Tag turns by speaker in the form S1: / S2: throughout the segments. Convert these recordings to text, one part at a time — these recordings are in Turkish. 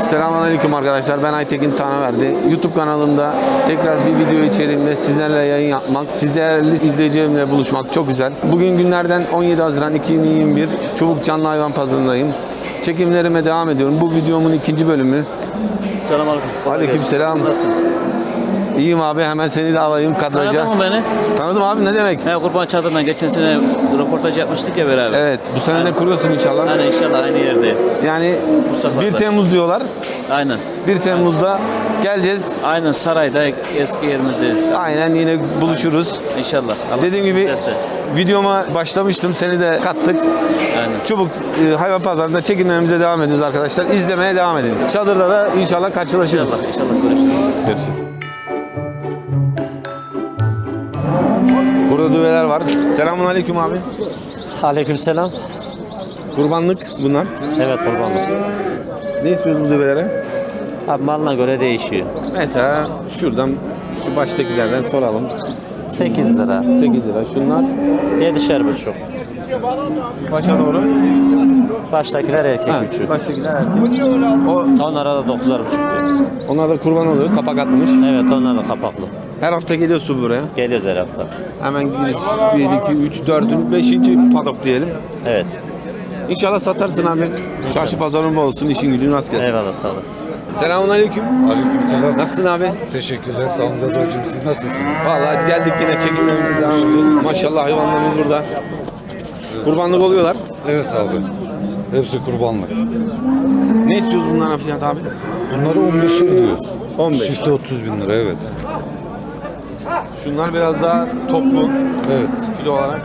S1: Selamünaleyküm arkadaşlar. Ben Aytekin Tanaverdi. YouTube kanalımda tekrar bir video içeriğinde sizlerle yayın yapmak, siz değerli izleyicilerimle buluşmak çok güzel. Bugün günlerden 17 Haziran 2021. Çubuk Canlı Hayvan Pazarındayım. Çekimlerime devam ediyorum. Bu videomun ikinci bölümü.
S2: Selamünaleyküm.
S1: Aleykümselam.
S2: Nasılsın?
S1: İyiyim abi. Hemen seni de alayım kadraja.
S2: Tanıdın mı beni?
S1: Tanıdım abi, ne demek?
S2: He, Kurban Çadırı'ndan geçen sene röportaj yapmıştık ya beraber.
S1: Evet. Bu sene de kuruyorsun inşallah.
S2: Aynen, inşallah aynı yerde.
S1: Yani
S2: Mustafa'da.
S1: 1 Temmuz diyorlar.
S2: Aynen.
S1: 1 Temmuz'da geleceğiz.
S2: Aynen sarayda eski yerimizdeyiz.
S1: Aynen, yine buluşuruz.
S2: İnşallah. Allah
S1: Dediğim gibi
S2: isterse.
S1: videoma başlamıştım. Seni de kattık.
S2: Aynen.
S1: Çubuk hayvan pazarında çekimlerimize devam ediyoruz arkadaşlar. İzlemeye devam edin. Çadırda da inşallah karşılaşırız.
S2: İnşallah görüşürüz.
S1: Görüşürüz. Burada düveler var. Selamünaleyküm abi.
S3: Aleykümselam.
S1: Kurbanlık bunlar.
S3: Evet, kurbanlık.
S1: Ne istiyoruz bu düvelere?
S3: Abi malına göre değişiyor.
S1: Mesela şuradan, şu baştakilerden soralım.
S3: 8 lira.
S1: 8 lira. Şunlar
S3: 7,5.
S1: başa doğru.
S3: Baştakiler erkek
S1: Ha,
S3: üçü.
S1: baştakiler erkek.
S3: Onlara da 9,5 diyor.
S1: Onlar da kurban oluyor. Kapak atmış.
S3: Evet, onlar da kapaklı.
S1: Her hafta geliyorsun buraya.
S3: Geliyoruz her hafta.
S1: Hemen gidiyoruz. 1, 2, 3, 4, 5. padok diyelim.
S3: Evet.
S1: İnşallah satarsın abi. Çarşı pazarın bol olsun, işin gücün rast gelsin.
S3: Eyvallah, sağ olasın.
S1: Selamünaleyküm.
S4: Aleykümselam.
S1: Nasılsın abi?
S4: Teşekkürler. Sağ olun Zador'cum. Siz nasılsınız?
S1: Vallahi geldik, yine çekimlerimize devam ediyoruz. Maşallah hayvanlarımız burada. Kurbanlık oluyorlar.
S4: Evet abi. Hepsi kurbanlık.
S1: Ne istiyoruz bunların fiyat abi?
S4: Bunları 15'er diyoruz.
S1: 15.
S4: Çifte 30 bin lira, evet.
S1: Şunlar biraz daha toplu
S4: Evet.
S1: kilo olarak.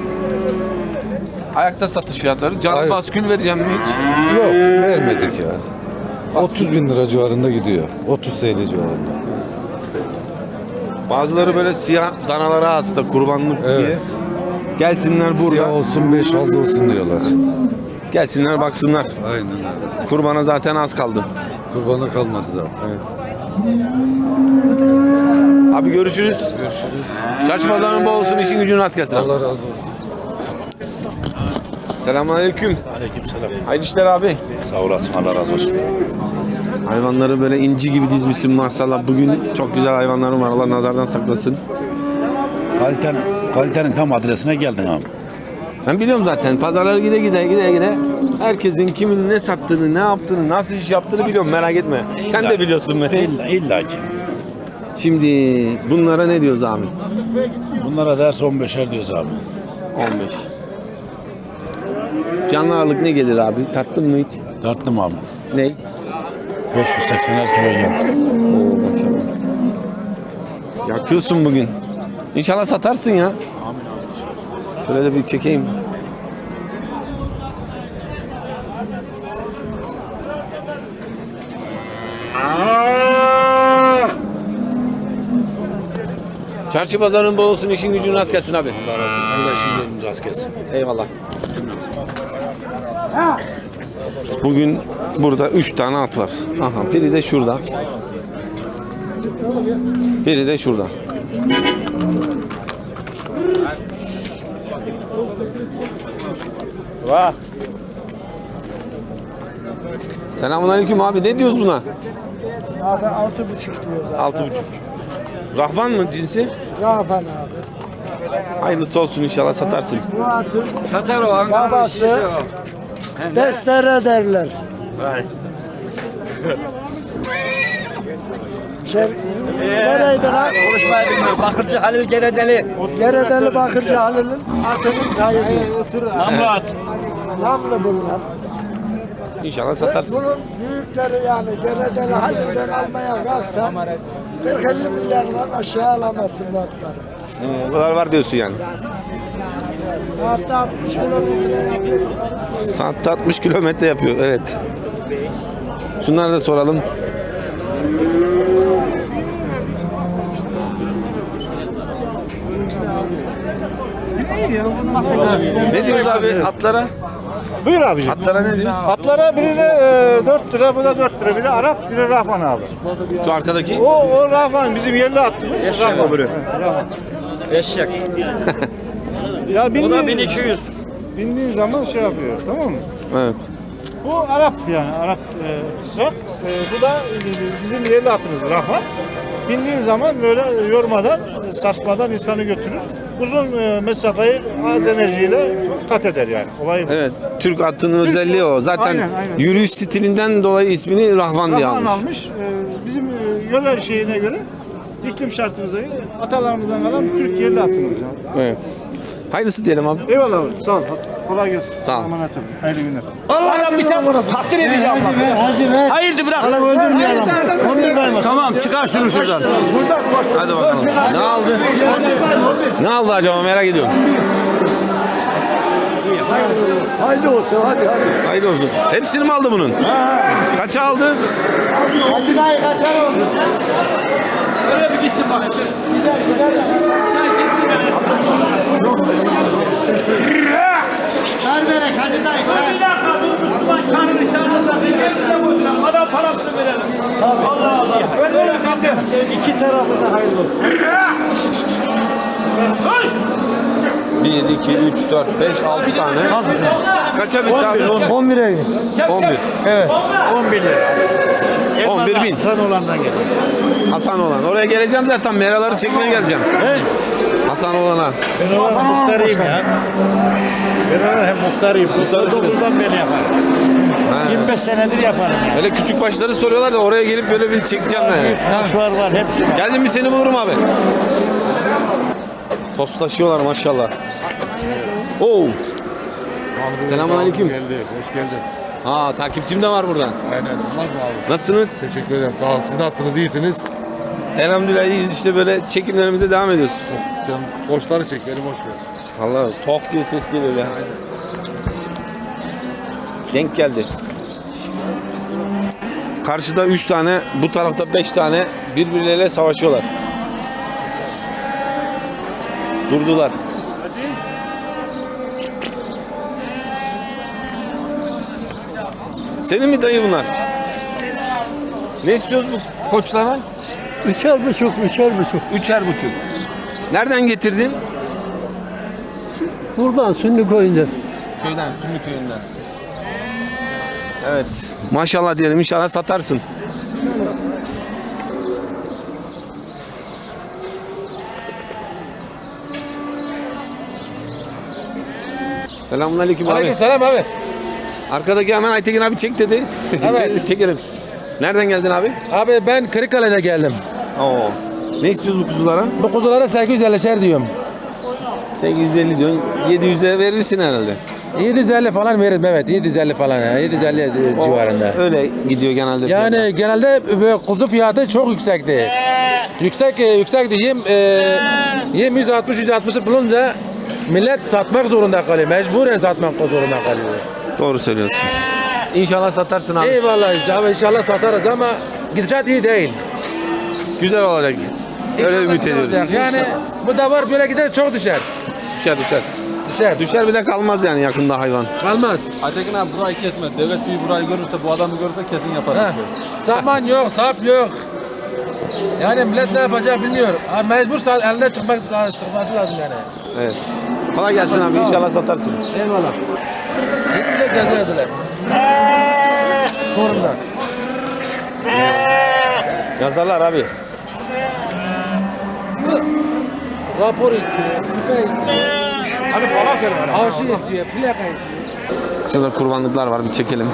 S1: Ayakta satış fiyatları. Canlı
S4: Hayır.
S1: baskül vereceğim mi hiç?
S4: Yok, vermedik ya. 30 bin lira civarında gidiyor. 30 TL civarında.
S1: Bazıları böyle siyah danalara hasta, kurbanlık diye.
S4: Evet.
S1: Gelsinler burada.
S4: Siyah olsun 5 fazla olsun diyorlar.
S1: Gelsinler baksınlar.
S4: Aynen öyle.
S1: Kurbana zaten az kaldı.
S4: Kurbana kalmadı zaten.
S1: Abi görüşürüz.
S4: Görüşürüz.
S1: Çarşı pazarın bol olsun, işin gücün rast gelsin.
S4: Allah razı olsun.
S1: Selamünaleyküm.
S5: Aleykümselam.
S1: Hayırlı işler abi.
S5: Sağ olasın, Allah razı olsun.
S1: Hayvanları böyle inci gibi dizmişsin maşallah. Bugün çok güzel hayvanlarım var. Allah nazardan saklasın.
S5: Kalitenin tam adresine geldin abi.
S1: Ben biliyorum zaten. Pazarları gide. Herkesin kimin ne sattığını, ne yaptığını, nasıl iş yaptığını biliyorum. Merak etme. Sen de biliyorsun beni.
S5: İlla ki.
S1: Şimdi bunlara ne diyoruz abi?
S5: Bunlara ders 15'er diyoruz abi.
S1: 15. Canlı ağırlık ne gelir abi? Tattın mı hiç?
S5: Tarttım abi.
S1: Ne?
S5: 580'er kilo geldi.
S1: Oo, maşallah. Yakıyorsun bugün. İnşallah satarsın ya. Şöyle de bir çekeyim. Çarşı pazarın bol olsun, işin gücün rast gelsin abi.
S5: Allah razı olsun. Sen de işin yerin rast gelsin.
S1: Eyvallah. Bugün burada 3 tane at var. Aha, biri de şurada. Biri de şurada.
S3: Vah.
S1: Selamünaleyküm abi. Ne diyoruz buna?
S6: Abi 6,5 diyoruz abi.
S1: 6,5. Rahvan mı cinsi?
S6: Rafen abi.
S1: Hayırlısı olsun, inşallah satarsın.
S6: Bu atın babası Destere derler. Nereydi lan?
S3: Bakırcı Halil Geredeli.
S6: Geredeli Bakırcı Halil'in atının tayını.
S3: Namlı at.
S6: Namlı bunlar.
S1: İnşallah satarsın.
S6: Bunun büyükleri yani Geredeli Halil'den almaya kalksa 40-50 milyardan aşağı alamazsın bu atları.
S1: O kadar var diyorsun yani.
S6: Saatte 60 kilometre yapıyor.
S1: Saatte 60 kilometre yapıyor. Evet. Şunları da soralım. Ne diyoruz abi atlara?
S7: Buyur abiciğim.
S1: Atlara ne diyoruz?
S7: Atlara birine 4 lira, bu da 4 lira. Biri Arap, biri Rahman abi.
S1: Şu arkadaki.
S7: O Rahman bizim yerli attığımız Rahman. Rahman.
S3: Eşek.
S7: Ya
S3: Bu da 1200.
S7: bindiğin zaman şey yapıyor, tamam mı?
S1: Evet.
S7: Bu Arap yani Arap kısrak. Bu da bizim yerli atımız Rahman. Bindiğin zaman böyle yormadan, sarsmadan insanı götürür. Uzun mesafeyi az enerjiyle kat eder yani. Olay bu.
S1: Evet, Türk atının özelliği o. Zaten
S7: Aynen.
S1: yürüyüş stilinden dolayı ismini Rahvan diye
S7: Rahman
S1: almış.
S7: almış. Bizim yöre şeyine göre iklim şartımıza göre atalarımızdan kalan Türk yerli atımız yani.
S1: Evet. Hayırlısı diyelim abi.
S7: Eyvallah abi. Sağ ol. Kolay gelsin.
S1: Sağ ol.
S7: Emanet olun. Hayırlı günler.
S3: Allah'ım bir tane takdir edeceğim. Hayırdır bırak. Tamam çıkar şunu şuradan.
S1: Hadi bakalım. Ne aldı? Ne aldı acaba merak ediyorum.
S6: Hayırlı olsun hadi.
S1: Hayırlı olsun. Hepsini mi aldı bunun? Kaça aldı?
S3: Öyle bir gitsin bak. Bir dakika bu Müslüman kanı nişanında bir yerine koyacağım. Adam parasını verelim. Allah Allah. Öyle bir kaldı. İki tarafı da hayırlı olsun.
S1: 1, 2, 3, 4, 5, 6 tane. Kaça bitti abi?
S6: 11'e git.
S1: 11.
S6: Evet.
S7: 11 lira.
S1: 11 bin.
S7: Sen olandan gel.
S1: Hasan olan. Oraya geleceğim zaten. Meraları çekmeye geleceğim. Hasan olana.
S7: Ben ona muhtarıyım ya. Ben ona hem muhtarıyım. 99'dan beri yaparım. 25 senedir yaparım yani.
S1: Böyle küçük başları soruyorlar da oraya gelip böyle bir çekeceğim yani.
S7: Taşvar var hepsi var.
S1: Geldim mi seni bulurum abi. Tost taşıyorlar maşallah. Oo. Selamünaleyküm.
S4: Hoş geldin.
S1: Ha takipçim de var burada.
S4: Aynen. Olmaz mı abi?
S1: Nasılsınız?
S4: Teşekkür ederim. Sağ olun. Siz nasılsınız? İyisiniz.
S1: Elhamdülillah iyiyiz işte böyle çekimlerimize devam ediyoruz.
S4: Sen boşları çek. Beni boş ver.
S1: Vallahi tok diye ses geliyor ya. Denk geldi. Karşıda 3 tane, bu tarafta 5 tane birbirleriyle savaşıyorlar. Durdular. Senin mi dayı bunlar? Ne istiyoruz bu koçlara?
S6: 3,5.
S1: 3'er buçuk. Nereden getirdin?
S6: Buradan Sünni koyunca.
S1: Köyden, Sümü köyünden. Evet. Maşallah diyelim inşallah satarsın. Selamünaleyküm abi.
S8: Aleykümselam abi.
S1: Arkadaki hemen Aytekin abi çek dedi.
S8: Evet.
S1: Seni çekelim. Nereden geldin abi?
S8: Abi ben Kırıkkale'de geldim.
S1: Oo. Ne istiyoruz bu kuzulara?
S8: Bu kuzulara 850'şer diyorum.
S1: 850 diyorsun. 700'e verirsin herhalde.
S8: 750 falan veririm evet. 750 falan ya. 750 civarında.
S1: Öyle gidiyor genelde.
S8: Yani genelde kuzu fiyatı çok yüksekti. Yüksekti. Yem 160 bulunca millet satmak zorunda kalıyor. Mecburen satmak zorunda kalıyor.
S1: Doğru söylüyorsun. İnşallah satarsın abi.
S8: Eyvallah abi inşallah satarız ama gidişat iyi değil.
S1: Güzel olacak. Öyle
S8: İnşallah
S1: ümit
S8: güzel
S1: ediyoruz.
S8: olacak. Yani bu da var böyle gider çok düşer.
S1: Düşer.
S8: Düşer.
S1: Düşer bir de kalmaz yani yakında hayvan.
S8: Kalmaz.
S2: Aytekin abi burayı kesme. Devlet büyüğü burayı görürse, bu adamı görürse kesin yapar.
S8: Ha. Saman yok, sap yok. Yani millet ne yapacak bilmiyor. Ha, mecbur elinde çıkması lazım yani.
S1: Evet. Kolay gelsin abi inşallah satarsın.
S8: Eyvallah. Gittiler ceza yediler. Çorum'da.
S1: Yazarlar abi.
S8: Rapor istiyor. Hani bana söyle. Arşiv istiyor, plaka istiyor.
S1: Şurada kurbanlıklar var bir çekelim.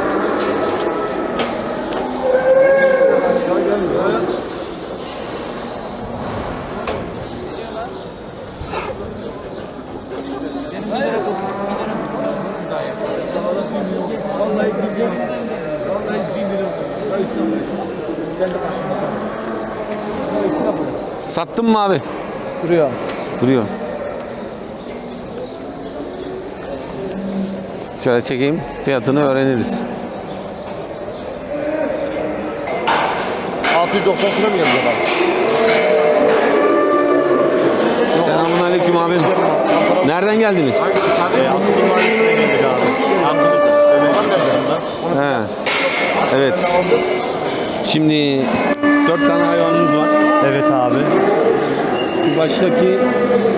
S1: Sattın mı abi?
S8: Duruyor.
S1: Duruyor. Şöyle çekeyim, fiyatını öğreniriz.
S7: 690 kilo mu yazıyor bak?
S1: Selamünaleyküm abim. Nereden geldiniz?
S7: Atatürk Mahallesi'ne geldik abi.
S1: He. Evet. Şimdi 4 tane hayvanımız var.
S7: Evet abi.
S1: Şu baştaki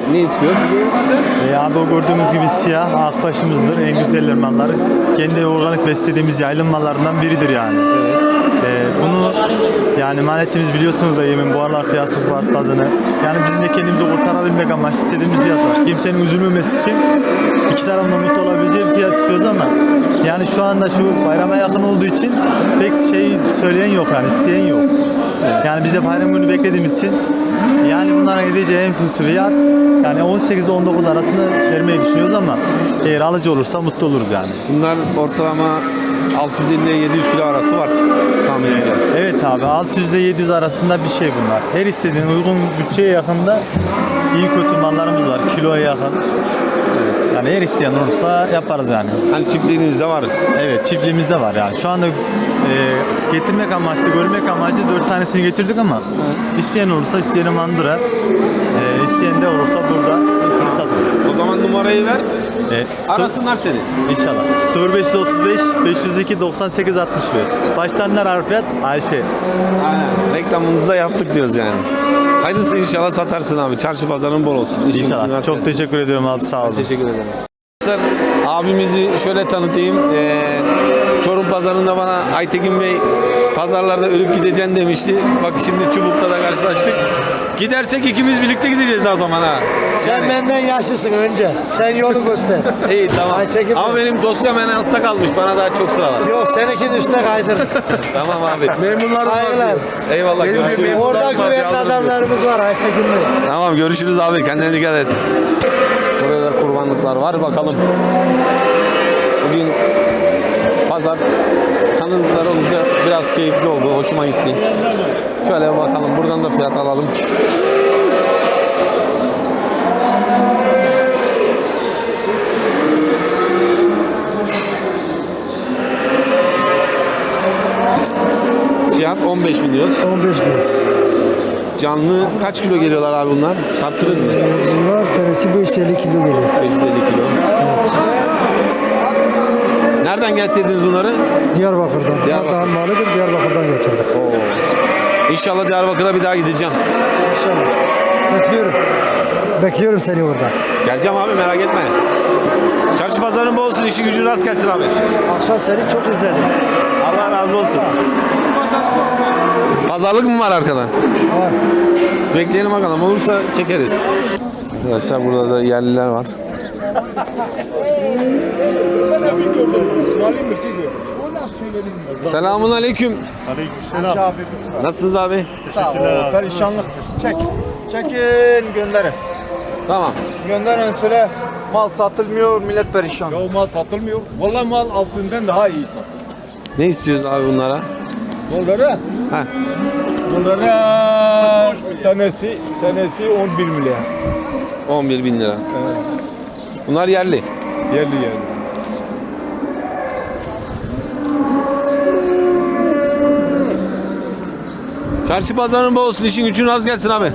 S1: Ne istiyoruz?
S9: Abi o gördüğümüz gibi siyah akbaşımızdır. En güzel malları. Kendi organik beslediğimiz yaylım mallarından biridir yani. Bunu yani manetimiz biliyorsunuz da yemin bu aralar fiyatsız var tadını. Yani bizim de kendimizi kurtarabilmek amaçlı istediğimiz fiyat var. Kimsenin üzülmemesi için iki tarafında mutlu olabileceği bir fiyat istiyoruz ama yani şu anda şu bayrama yakın olduğu için pek şey söyleyen yok yani isteyen yok. Yani biz de bayram günü beklediğimiz için yani bunların gideceği en kötü fiyat yani 18 ile 19 arasında vermeyi düşünüyoruz ama eğer alıcı olursa mutlu oluruz yani.
S1: Bunlar ortalama 650 ile 700 kilo arası var tahminimce.
S9: Evet abi 600 ile 700 arasında bir şey bunlar. Her istediğin uygun bütçeye yakında iyi kötü mallarımız var. Kiloya yakın. Yani her isteyen olursa yaparız yani.
S1: Hani çiftliğinizde var.
S9: Evet çiftliğimizde var yani. Şu anda getirmek amaçlı, görmek amaçlı 4 tanesini getirdik ama isteyen olursa isteyeni mandıra, isteyen de olursa burada satılır.
S1: O zaman numarayı ver. Arasınlar seni.
S9: İnşallah. 0535 502 98 61. Baştanlar Arifiyat Ayşe.
S1: Aynen. Reklamımızı da yaptık diyoruz yani. Hayırlısı inşallah satarsın abi. Çarşı pazarın bol olsun.
S9: İnşallah. Çok teşekkür ediyorum abi sağ olun.
S1: Teşekkür ederim. Abimizi şöyle tanıtayım. Çorum pazarında bana Aytekin Bey pazarlarda ölüp gideceksin demişti. Bak şimdi Çubuk'ta da karşılaştık. Gidersek ikimiz birlikte gideceğiz o zaman ha.
S6: Sen benden yaşlısın önce. Sen yolu göster.
S1: İyi tamam.
S6: Aytekin
S1: Ama benim dosyam en altta kalmış. Bana daha çok sıra var.
S6: Yok seninkinin üstüne kaydır.
S1: Tamam abi.
S6: Saygılar.
S1: Eyvallah görüşürüz.
S6: Orada güvenli adamlarımız var Aytekin Bey.
S1: Tamam görüşürüz abi. Kendine dikkat et. Burada da kurbanlıklar var. Bakalım. Bugün pazar tanıdıklar olunca biraz keyifli oldu. Hoşuma gitti. Şöyle bir bakalım. Buradan da fiyat alalım. Fiyat 15 bin diyoruz.
S6: 15 lira.
S1: Canlı kaç kilo geliyorlar abi bunlar? Tarttınız mı?
S6: Bunlar tanesi 550 kilo geliyor.
S1: 550 kilo. Nereden getirdiniz bunları?
S6: Diyarbakır'dan. Diyarbakır malıdır. Diyarbakır'dan getirdik.
S1: İnşallah Diyarbakır'a bir daha gideceğim.
S6: İnşallah. Bekliyorum. Bekliyorum seni orada.
S1: Geleceğim abi merak etme. Çarşı pazarın bol olsun, işi gücün rast gelsin abi.
S6: Akşam seni çok izledim.
S1: Allah razı olsun. Pazarlık mı var arkada?
S6: Var.
S1: Bekleyelim bakalım, olursa çekeriz. Arkadaşlar burada da yerliler var. Selamun aleyküm.
S7: Aleykümselam.
S1: Nasılsınız abi?
S7: Sağ ol. Perişanlık. Çekin gönderin.
S1: Tamam.
S7: Gönderin süre. Mal satılmıyor, millet perişan.
S2: Ya mal satılmıyor. Vallahi mal altından daha iyi.
S1: Ne istiyoruz abi bunlara?
S2: Bunlara,
S1: Ha.
S2: bunlara tanesi 11 milyar.
S1: 11 bin lira. Bunlar yerli.
S2: Yerli yerli.
S1: Çarşı pazarın bol olsun, işin gücün rast gelsin abi.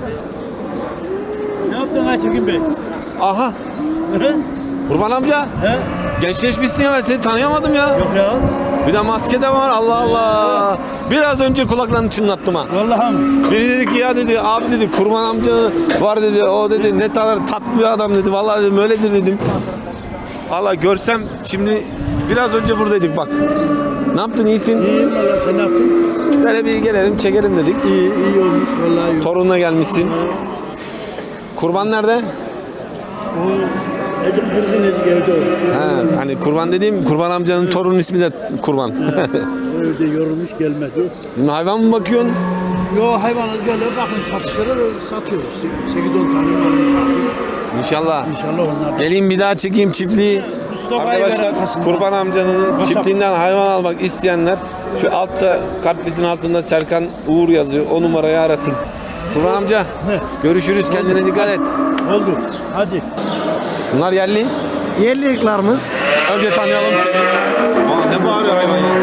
S3: Ne yaptın Aytekin Bey?
S1: Aha. Kurban amca.
S3: He?
S1: Gençleşmişsin ya, ben seni tanıyamadım ya.
S3: Yok ya.
S1: Bir de maske de var, Allah Allah. Biraz önce kulaklarını çınlattım ha.
S3: Vallahi mi?
S1: Biri dedi ki ya dedi, abi dedi kurban amca var dedi, o dedi ne kadar tatlı bir adam dedi. Vallahi dedim öyledir dedim. Allah görsem şimdi biraz önce buradaydık bak. Ne yaptın, iyisin?
S3: İyiyim valla, sen ne yaptın?
S1: Böyle bir gelelim çekelim dedik.
S3: İyi olmuş vallahi iyi.
S1: Torunla gelmişsin. Kurban nerede?
S3: O Edim Kırgın Edik evde o.
S1: Ha, hani kurban dediğim kurban amcanın torunun ismi de kurban.
S3: O evde yorulmuş gelmedi.
S1: Hayvan mı bakıyorsun?
S3: Yo hayvanı böyle bakın satışlara da satıyoruz. 8-10 tane malımız var.
S1: İnşallah.
S3: İnşallah onlar.
S1: Geleyim bir daha çekeyim çiftliği.
S3: Mustafa'yı
S1: Arkadaşlar
S3: veren kasımda.
S1: kurban amcanın
S3: Kasap.
S1: çiftliğinden hayvan almak isteyenler şu altta kartvisin altında Serkan Uğur yazıyor. O numarayı arasın. Kurban amca görüşürüz, kendine dikkat et.
S3: Oldu. Hadi.
S1: Bunlar yerli.
S6: Yerli ırklarımız.
S1: Önce tanıyalım seni. Aa, ne bağırıyor hayvan ya?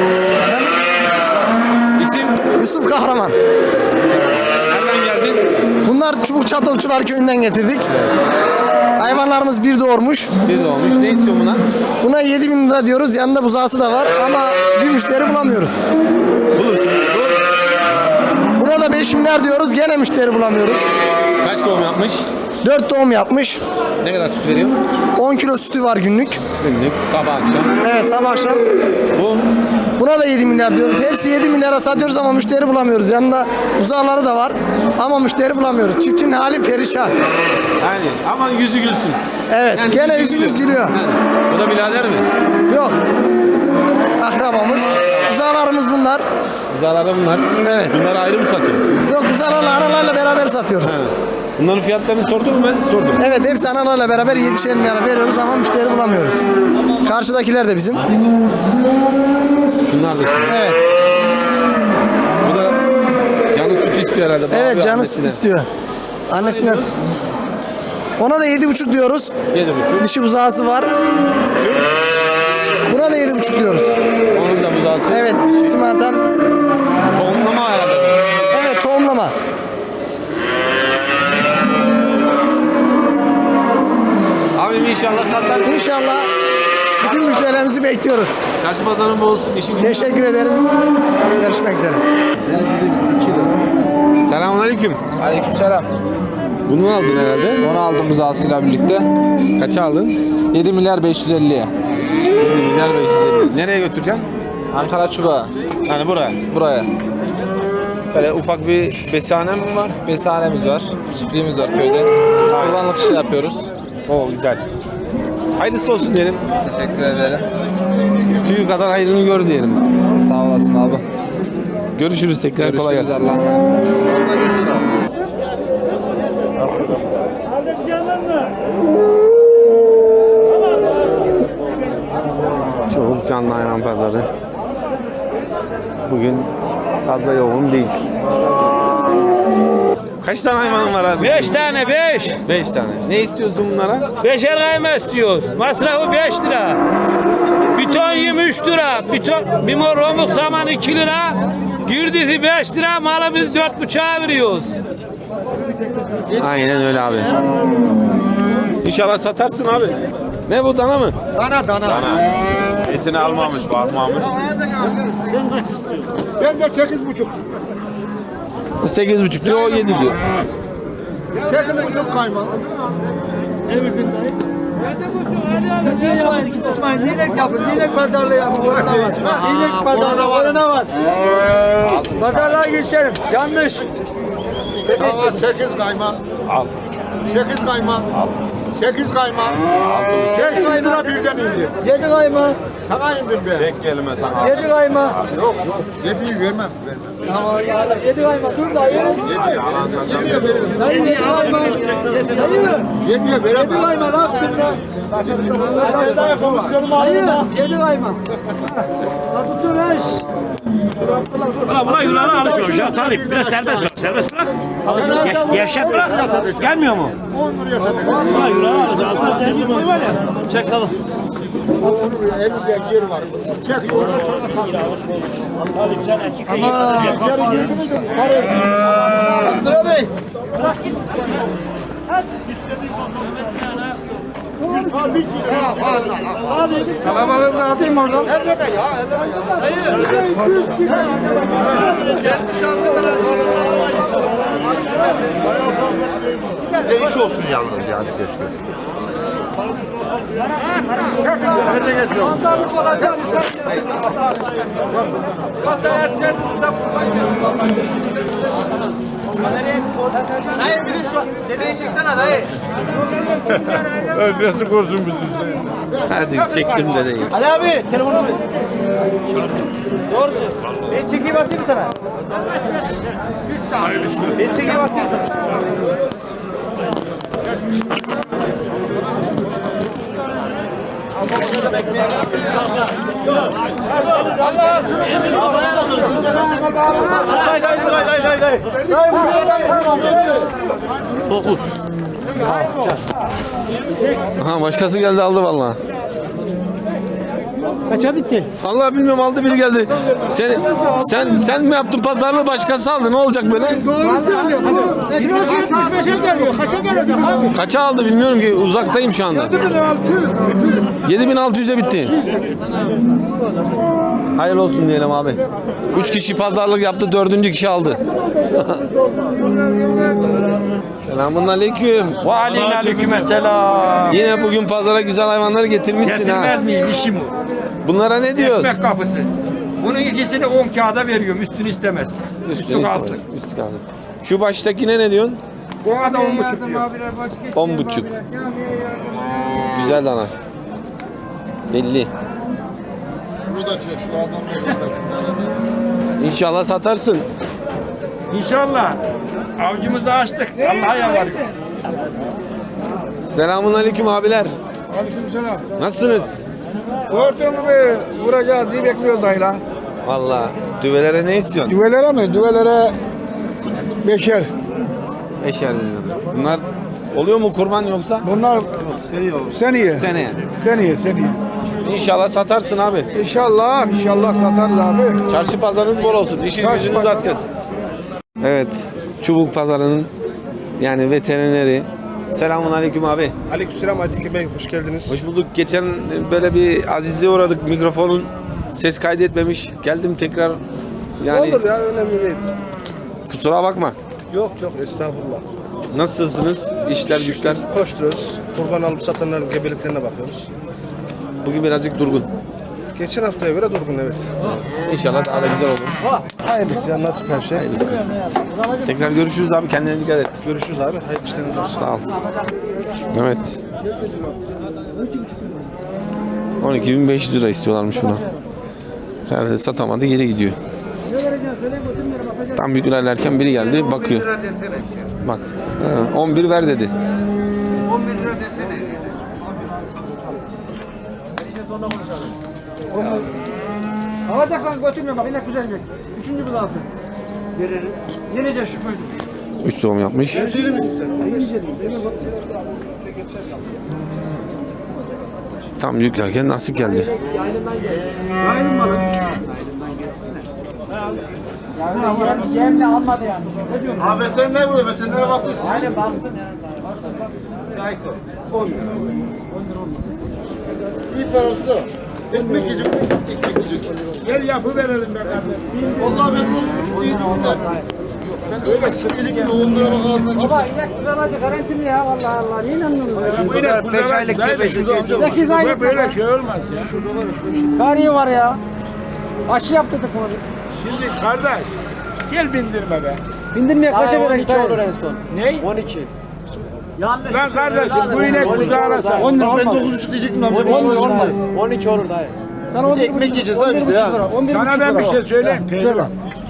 S1: İsim?
S6: Yusuf Kahraman.
S1: Nereden geldin?
S6: Bunlar Çubuk Çatalçılar köyünden getirdik. Hayvanlarımız bir doğurmuş.
S1: Bir doğmuş. Ne istiyor buna?
S6: Buna 7.000 lira diyoruz. Yanında buzağısı da var ama bir müşteri bulamıyoruz.
S1: Bulursun.
S6: Buna da 5 milyar diyoruz. Gene müşteri bulamıyoruz.
S1: Kaç doğum yapmış?
S6: 4 doğum yapmış.
S1: Ne kadar süt veriyor?
S6: 10 kilo sütü var günlük.
S1: Günlük, sabah akşam.
S6: Evet, sabah akşam.
S1: Bu
S6: Buna da 7 milyar diyoruz. Hepsi 7 milyara satıyoruz ama müşteri bulamıyoruz. Yanında uzağları da var ama müşteri bulamıyoruz. Çiftçinin hali perişan.
S1: yani aman yüzü gülsün.
S6: Evet,
S1: Yani
S6: gene
S1: yüzü
S6: yüzümüz gülüyor.
S1: Yani. Bu da birader mi?
S6: Yok. Akrabamız. Uzağlarımız bunlar.
S1: Uzalarda bunlar.
S6: Evet.
S1: Bunlar ayrı mı satıyor?
S6: Yok, uzağlarla analarla beraber satıyoruz.
S1: Bunların fiyatlarını sordun mu ben? Sordum.
S6: Evet, hepsi analarla beraber 7'şer milyara veriyoruz ama müşteri bulamıyoruz. Karşıdakiler de bizim.
S1: Şunlar da sizin.
S6: Evet.
S1: Bu da canı süt istiyor herhalde.
S6: Evet,
S1: Bağırıyor
S6: canı
S1: annesine.
S6: süt istiyor. Annesinden. Ona da 7,5 diyoruz.
S1: 7,5.
S6: Dişi buzağısı var. Buna da 7,5 diyoruz.
S1: Onun da buzağısı.
S6: Evet, simantal.
S1: Tohumlama herhalde.
S6: Evet, tohumlama.
S1: Abim inşallah satarsın.
S6: İnşallah bütün müşterilerimizi bekliyoruz.
S1: Çarşı pazarın bol olsun. İşin gücün.
S6: Teşekkür ederim. Görüşmek üzere.
S1: Selamünaleyküm.
S8: Aleykümselam.
S1: Bunu aldın herhalde.
S8: Onu aldım buzağısıyla birlikte.
S1: Kaça aldın?
S8: 7 milyar 550'ye.
S1: 7 milyar 550. Nereye götüreceksin?
S8: Ankara Çubuğa.
S1: Yani buraya.
S8: Buraya.
S1: Böyle ufak bir besane mi var?
S8: Besanemiz var. Çiftliğimiz var köyde. Kurbanlık işi yapıyoruz.
S1: Oo güzel. Hayırlısı olsun diyelim.
S8: Teşekkür ederim.
S1: Tüyü kadar hayrını gör diyelim.
S8: Sağ olasın abi.
S1: Görüşürüz tekrar. Kolay
S8: Görüşürüz,
S1: gelsin.
S8: Allah'a emanet.
S1: Çok canlı hayvan pazarı. Bugün fazla yoğun değil. Kaç tane hayvanın var abi?
S3: 5 tane 5.
S1: 5 tane. Ne istiyorsun bunlara?
S3: 5'er kayma istiyoruz. Masrafı 5 lira. Biton 23 lira. Biton, bimor romuk saman 2 lira. Girdisi 5 lira. Malı biz 4,5'a veriyoruz.
S1: Aynen öyle abi. İnşallah satarsın abi. Ne bu, dana mı?
S2: Etini almamış, bakmamış.
S6: Ben de 8,5.
S1: Bu 8,5 diyor, o 7 diyor.
S6: 8,5 kayma.
S10: İnek yapın, inek pazarlığı yapın. İnek pazarlığı, orada var. Pazarlığa geçelim, yanlış.
S6: Sana 8 kayma. 8 kayma. 8 kayma. 500 lira birden indi.
S10: 7 kayma,
S6: Sana indim be.
S2: Tek kelime sana.
S10: 7 kayma.
S6: Yok yok. 7'yi vermem.
S10: Tamam, 7 kayma, dur dayı.
S6: 7'ye veririm.
S10: Dayı 7 kayma. Dayı,
S6: 7'ye
S10: 7
S6: veremem.
S10: kayma lan şimdi. Dayı, 7 kayma. Nasıl tüneş?
S3: Buna yılana alışmıyormuş ya. Talip biraz serbest bırak. Serbest bırak. Gevşet bırak. Gelmiyor mu?
S6: 10 liraya satacağım.
S3: Buna yılana alacağız. Çek salın.
S6: Onun evinde yer var. Çek ondan sonra sat.
S10: Ama.
S6: İçeri girdiniz mi? Para
S10: Abdullah Bey.
S6: Kalabalığını atayım oradan. Elleme ya, Değiş olsun yalnız yani keşke.
S10: Dayı bir de şu dedeyi çeksene dayı.
S2: Nasıl korsun bizi?
S1: Hadi çektim de değil.
S10: Ali abi telefonu ver. Doğrusu. Ben çekeyim atayım sana. Ben çekeyim atayım sana.
S1: Aha, başkası geldi aldı vallahi.
S10: Kaça bitti?
S1: Vallahi bilmiyorum, aldı biri geldi. Sen mi yaptın pazarlığı, başkası aldı, ne olacak böyle?
S6: Doğru söylüyor.
S10: Kilosu 75'e geliyor. Kaça gelecek abi?
S1: Kaça aldı bilmiyorum ki, uzaktayım şu anda.
S6: 7600.
S1: 7600'e bitti. Hayırlı olsun diyelim abi. 3 kişi pazarlık yaptı, 4. kişi aldı. Selamun aleyküm.
S3: Ve aleykümselam.
S1: Yine bugün pazara güzel hayvanları getirmişsin ha.
S3: Getirmez miyim işim o?
S1: Bunlara ne diyoruz?
S3: Ekmek kapısı. Bunun ikisini 10 kağıda veriyorum. Üstünü istemez. Üstü kalsın.
S1: Üstü kalsın. Şu baştakine ne diyorsun?
S3: Ona da 10,5 diyor.
S1: 10,5. Güzel dana. Belli.
S4: Şunu da çek, şu adamı
S1: İnşallah satarsın.
S3: İnşallah. Avcımızı açtık. Allah'a yalvarırız.
S1: Selamun aleyküm abiler.
S6: Aleykümselam.
S1: Nasılsınız?
S6: Gördüğün gibi vuracağız diye bekliyoruz dayla.
S1: Vallahi düvelere ne istiyorsun?
S6: Düvelere mi? Düvelere 5'er.
S1: 5'er bin lira. Bunlar oluyor mu kurban yoksa?
S6: Bunlar seneye.
S1: Seneye.
S6: Seneye.
S1: İnşallah satarsın abi.
S6: İnşallah satarız abi.
S1: Çarşı pazarınız bol olsun. İşiniz
S6: Çarşı
S1: gücünüz
S6: pazarı.
S1: az kesin. Evet. Çubuk pazarının yani veterineri. Selamun aleyküm abi.
S2: Aleykümselam Aytekin Bey, hoş geldiniz.
S1: Hoş bulduk. Geçen böyle bir azizliğe uğradık. Mikrofonun ses kaydetmemiş. Geldim tekrar. Yani
S2: Olur ya, önemli değil.
S1: kusura bakma.
S2: Yok estağfurullah.
S1: Nasılsınız? İşler güçler.
S2: Koşturuyoruz. Kurban alıp satanların gebeliklerine bakıyoruz.
S1: Bugün birazcık durgun.
S2: Geçen haftaya göre durgun, evet.
S1: İnşallah daha da güzel olur.
S2: Hayırlısı ya, nasip her şey.
S1: Tekrar görüşürüz abi. Kendine dikkat et.
S2: Görüşürüz abi. Hayırlı işleriniz olsun.
S1: Sağ ol. Evet. 12.500 lira istiyorlarmış buna. Herhalde satamadı, geri gidiyor. Tam bir ilerlerken biri geldi, bakıyor. Bak, 11 ver dedi.
S4: 11 lira desene.
S10: Alacaksan götürmüyorum bak inek güzel inek. Üçüncü kız alsın. Verelim. Yeneceğiz şu köyde.
S1: 3 doğum yapmış. Tam yüklerken nasip geldi.
S10: Ayrım malı. Yemle almadı yani. Ne diyorsun?
S4: Abi veteriner burada, veterinere bakıyorsun.
S10: Aynen baksın ya.
S4: Bir parası. Ekmek yiyecek, ekmek yiyecek.
S3: Gel yapı verelim be kardeşim.
S4: Vallahi ben 10,5 iyiydim de. Ben öyle yiyecek gibi 10 lira bak ağzından çıktı.
S10: Baba inek güzel acı garantili ya vallahi Allah. Niye inanmıyorsunuz?
S3: Bu inek 5 aylık gebesi.
S10: 8 aylık.
S3: Böyle şey olmaz ya.
S10: Tarihi var ya. Aşı yaptırdık bunu biz.
S3: Şimdi kardeş gel bindirme be.
S10: Bindirmeye kaça verelim? 12 olur en son.
S3: Ne?
S10: 12.
S3: Lan kardeşim bu inek buzağlasa.
S10: 10 lira
S4: Ben
S10: olmaz.
S4: 9,5 diyecektim amca.
S10: 10 lira olmaz. 12 olur dayı. Sana 11
S4: Ekmek yiyeceğiz abi biz ya.
S3: Sana ben bir şey söyleyeyim. Pehlivan.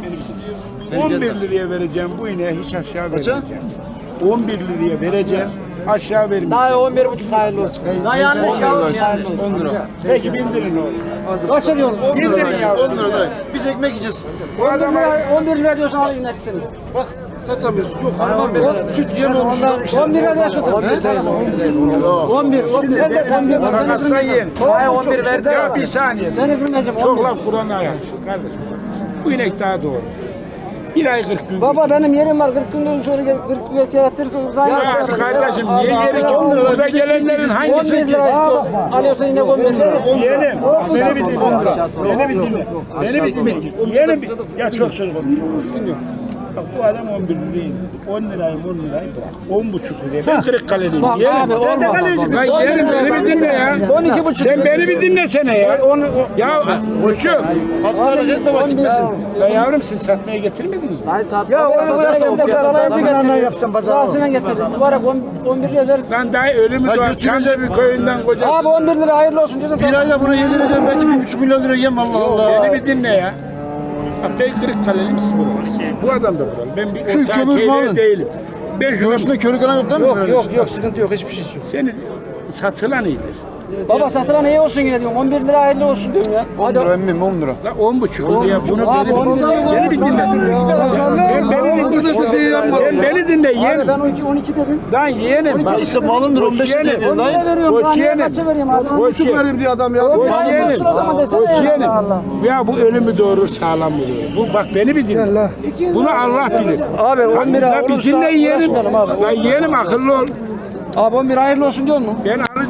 S3: 11 liraya vereceğim bu ineği hiç aşağı vermeyeceğim. 11 liraya vereceğim aşağı vermeyeceğim.
S10: Dayı 11,5 hayırlı olsun. Dayı yanlış ya.
S4: 10 lira.
S3: Peki bindirin oğlum.
S10: Kaç ediyorsun?
S4: 10 lira.
S3: Bindirin ya.
S4: 10 lira dayı. Biz ekmek yiyeceğiz.
S3: Bu adama
S10: 11 lira diyorsan al inek seni.
S4: Bak satamıyoruz. Yok harman ver. Süt yem olmuş.
S10: 11 lira diye satın. 11 değil. 11. Sen de 11 var. Sen
S3: takassan yiyin.
S10: Hayır 11 verdi.
S3: Ya bir saniye.
S10: Seni bilmeyeceğim.
S3: Çok laf Kur'an'a yaz kardeşim. Bu inek daha doğru. Bir ay 40 gün.
S10: Baba benim yerim var. 40 günden sonra 40 gün yaratırsa uzay.
S3: Ya kardeşim niye geri ki? Burada gelenlerin
S10: 11
S3: hangisi ki?
S10: lira istiyor. Alıyorsan inek 11 lira.
S3: Yeğenim, beni bir dinle. Beni bir dinle. Beni bir dinle. Yeğenim, ya çok söz konuşuyorum. Dinliyorum. Bak bu adam 11 liraya indirdi. 10 lirayı 10 lirayı bırak. 10,5 liraya. Ben Kırıkkale'liyim.
S10: Bak
S3: Yeğenim.
S10: abi olmaz.
S3: Lan yeğenim beni bir dinle ya.
S10: 12,5
S3: Sen beni bir dinlesene ya. Ya koçum.
S4: Kaptanı etme bak gitmesin.
S3: Ya yavrum siz satmaya getirmediniz mi?
S10: Hayır saat. Ya onu bıraksın da pazarlayıcı getiririz. Pazarlasına getiririz. Mübarek 11 lira veririz.
S3: Lan daha ölümü
S4: Ya
S3: doğar.
S4: götürecek
S3: Çamlı bir köyünden kocası.
S10: Abi 11 lira hayırlı olsun diyorsan.
S4: Bir ayda bunu yedireceğim belki 1,5 milyon lira yem Allah Allah.
S3: Beni bir dinle ya. Bak ben Kırıkkale'liyim siz buralı. Bu adam da buralı. Ben bir
S4: Şu
S3: orta
S4: kömür
S3: şeyler
S4: malın.
S3: değilim. Ben şunu
S4: Göğsünde körük falan yok değil mi?
S10: Yok sıkıntı yok hiçbir şey yok.
S3: senin satılan iyidir.
S10: Baba satılan iyi olsun yine diyorum. 11 lira hayırlı olsun diyorum ya.
S4: 10 lira emmim 10 lira.
S3: La 10,5 liraya bunu
S10: Abi,
S3: beni
S10: 10
S3: bir
S10: lira.
S3: dinle. Beni bir dinle. Sen beni dinle. Sen beni dinle
S10: Abi
S3: yeğenim.
S10: ben 12 dedim.
S3: Lan yeğenim.
S4: Ya işte malındır 15 lira
S3: yeğenim.
S10: 10
S4: dayı.
S10: lira veriyorum.
S3: Koç
S10: Ben niye
S3: yeğenim.
S10: kaça vereyim abi?
S3: Koç yeğenim.
S6: diye adam ya.
S3: Koç
S10: hayırlı
S3: yeğenim.
S10: olsun o zaman desene
S3: Koç
S10: ya.
S3: yeğenim.
S10: Allah
S3: Ya bu ölümü doğurur sağlam mı doğurur? Bu bak beni bir dinle. Bunu Allah bilir.
S10: Abi 10 lira
S3: La bir
S10: olursa
S3: dinle yeğenim.
S10: uğraşmayalım abi.
S3: Lan yeğenim akıllı ol.
S10: Abi 11 hayırlı olsun diyor mu?
S3: Ben alacağım.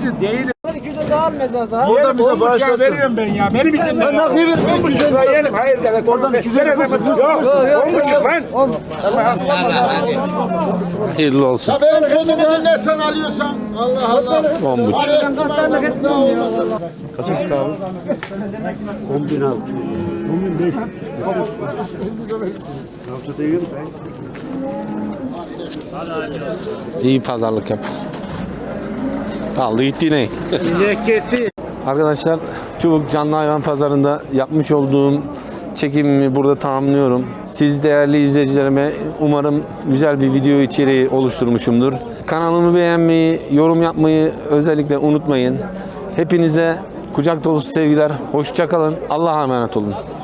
S3: Alıcı değilim.
S10: 200'e daha almayacağız daha.
S3: Burada bize bağışlasın. Veriyorum ben ya. Beni bir dinle. Ben nakliye veriyorum. 10,5 lira yerim. Hayır devlet. Oradan 200 lira yok. 10,5 lan.
S1: Hayırlı olsun.
S3: Benim sözümü dinle sen alıyorsan. Allah Allah.
S1: 10,5.
S3: Kaça gitti abi? 10.600. 10.500. Haftada yiyorum ben.
S1: İyi pazarlık yaptı. Aldı gitti yine. Arkadaşlar Çubuk Canlı Hayvan Pazarı'nda yapmış olduğum çekimimi burada tamamlıyorum. Siz değerli izleyicilerime umarım güzel bir video içeriği oluşturmuşumdur. Kanalımı beğenmeyi, yorum yapmayı özellikle unutmayın. Hepinize kucak dolusu sevgiler. Hoşça kalın. Allah'a emanet olun.